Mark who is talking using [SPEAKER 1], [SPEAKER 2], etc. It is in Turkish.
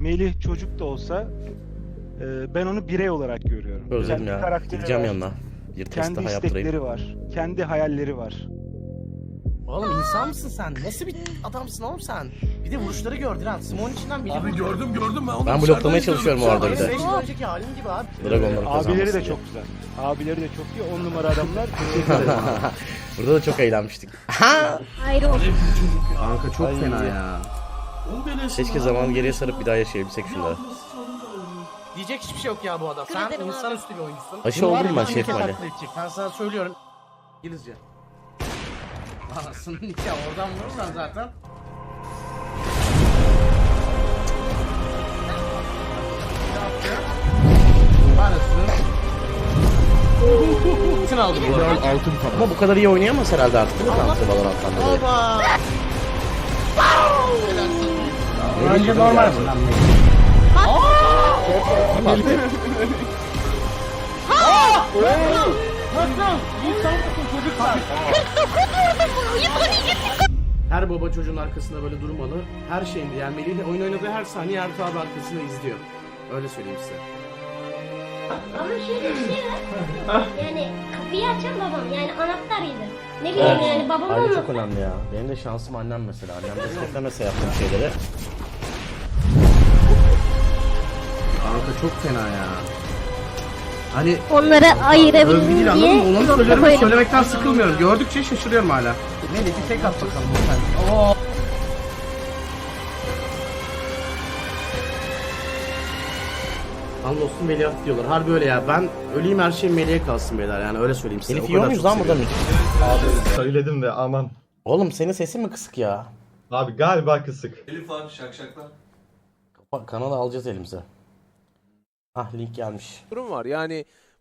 [SPEAKER 1] Melih çocuk da olsa ben onu birey olarak görüyorum.
[SPEAKER 2] Özledim
[SPEAKER 1] Kendi
[SPEAKER 2] ya.
[SPEAKER 1] karakteri
[SPEAKER 2] Gideceğim
[SPEAKER 1] var,
[SPEAKER 2] yanına. Bir test
[SPEAKER 1] kendi
[SPEAKER 2] daha yaptırayım.
[SPEAKER 1] istekleri var, kendi hayalleri var.
[SPEAKER 3] Oğlum insan mısın sen? Nasıl bir adamsın oğlum sen? Bir de vuruşları gördün ha. Simon içinden biri
[SPEAKER 4] Abi
[SPEAKER 3] vurdu.
[SPEAKER 4] gördüm ben onu
[SPEAKER 2] Ben
[SPEAKER 4] dışarıdan
[SPEAKER 2] bloklamaya çalışıyorum o arada bir
[SPEAKER 3] Benim
[SPEAKER 2] de.
[SPEAKER 3] 5 yıl önceki halim gibi abi.
[SPEAKER 2] Dragonları kazanmasın
[SPEAKER 1] Abileri de
[SPEAKER 2] diye.
[SPEAKER 1] çok güzel. Abileri de çok iyi. 10 numara adamlar. Teşekkür ederim.
[SPEAKER 2] Burada da çok eğlenmiştik.
[SPEAKER 5] Ayrı olsun.
[SPEAKER 6] Kanka çok fena ya.
[SPEAKER 2] Keşke zamanı geriye sarıp bir daha yaşayabilsek şunları.
[SPEAKER 3] Diyecek hiçbir şey yok ya bu adam. Sen insanüstü bir oyuncusun.
[SPEAKER 2] Aşı
[SPEAKER 3] Bunu var
[SPEAKER 2] oldum
[SPEAKER 3] ya,
[SPEAKER 2] ben
[SPEAKER 3] bir
[SPEAKER 2] Şef
[SPEAKER 3] kez
[SPEAKER 2] Ali.
[SPEAKER 3] taklit edecek. Ben sana söylüyorum. İngilizce. Anasının nikahı oradan vurursan zaten. Anasının. Bütün aldı bu arada.
[SPEAKER 6] Altın falan.
[SPEAKER 2] Ama bu kadar iyi oynayamaz herhalde artık değil mi Tanrı Valorant'tan dolayı?
[SPEAKER 3] Baba.
[SPEAKER 6] Önce normal bu lan.
[SPEAKER 3] Her baba çocuğun arkasında böyle durmalı. Her şeyinde yani Melih'le oyun oynadığı her saniye Ertuğ abi arkasında izliyor. Öyle söyleyeyim size.
[SPEAKER 5] Ama şöyle bir şey var. Yani kapıyı açan babam. Yani anahtarıydı. Ne bileyim yani babam
[SPEAKER 2] Aile
[SPEAKER 5] olmasa.
[SPEAKER 2] çok önemli ya. Benim de şansım annem mesela. Annem desteklemese yaptığım şeyleri.
[SPEAKER 6] Kanka çok fena ya. Hani
[SPEAKER 5] Onları
[SPEAKER 6] övgü değil
[SPEAKER 5] ayırabildim
[SPEAKER 6] anladın
[SPEAKER 5] diye
[SPEAKER 6] mı? Onu söylüyorum
[SPEAKER 5] koydum.
[SPEAKER 6] söylemekten sıkılmıyorum. Gördükçe şaşırıyorum hala. Melih bir tek at bakalım lütfen. Oo.
[SPEAKER 3] Anlos'un Melih'e diyorlar. Harbi öyle ya. Ben öleyim her şey Melih'e kalsın beyler yani öyle söyleyeyim size.
[SPEAKER 2] Elif
[SPEAKER 3] O
[SPEAKER 2] yiyor
[SPEAKER 3] kadar
[SPEAKER 2] muyuz
[SPEAKER 3] çok
[SPEAKER 2] lan burada
[SPEAKER 3] seviyorum.
[SPEAKER 2] mı?
[SPEAKER 7] Abi söyledim de aman.
[SPEAKER 2] Oğlum senin sesin mi kısık ya?
[SPEAKER 7] Abi galiba kısık.
[SPEAKER 4] Elif abi şakşaklar.
[SPEAKER 2] Bak kanalı alacağız elimize. Ah link gelmiş.
[SPEAKER 8] durum var. Yani